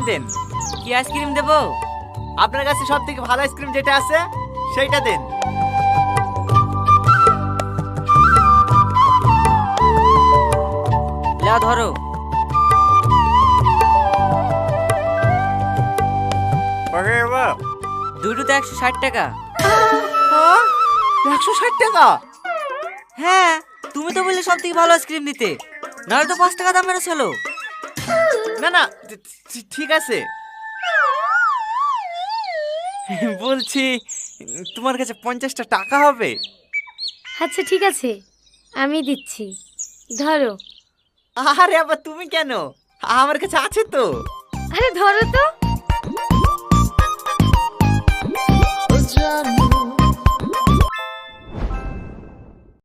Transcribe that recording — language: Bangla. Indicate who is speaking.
Speaker 1: আইসক্রিম দেন।
Speaker 2: কি আইসক্রিম দেবো?
Speaker 1: আপনার কাছে সব থেকে ভালো আইসক্রিম যেটা আছে সেইটা দেন।
Speaker 2: লাও ধরো। দুটোতে 160 টাকা।
Speaker 1: 160 টাকা?
Speaker 2: হ্যাঁ, তুমি তো বললে সব থেকে ভালো আইসক্রিম দিতে, নাহলে তো 5 টাকা দাম মেরেছিল।
Speaker 1: না না, ঠিক আছে। বলছি তোমার কাছে 50টা টাকা হবে?
Speaker 3: আচ্ছা ঠিক আছে, আমি দিচ্ছি, ধরো।
Speaker 1: আরে আবার তুমি কেন? আমার কাছে আছে তো।
Speaker 3: আরে ধরো তো।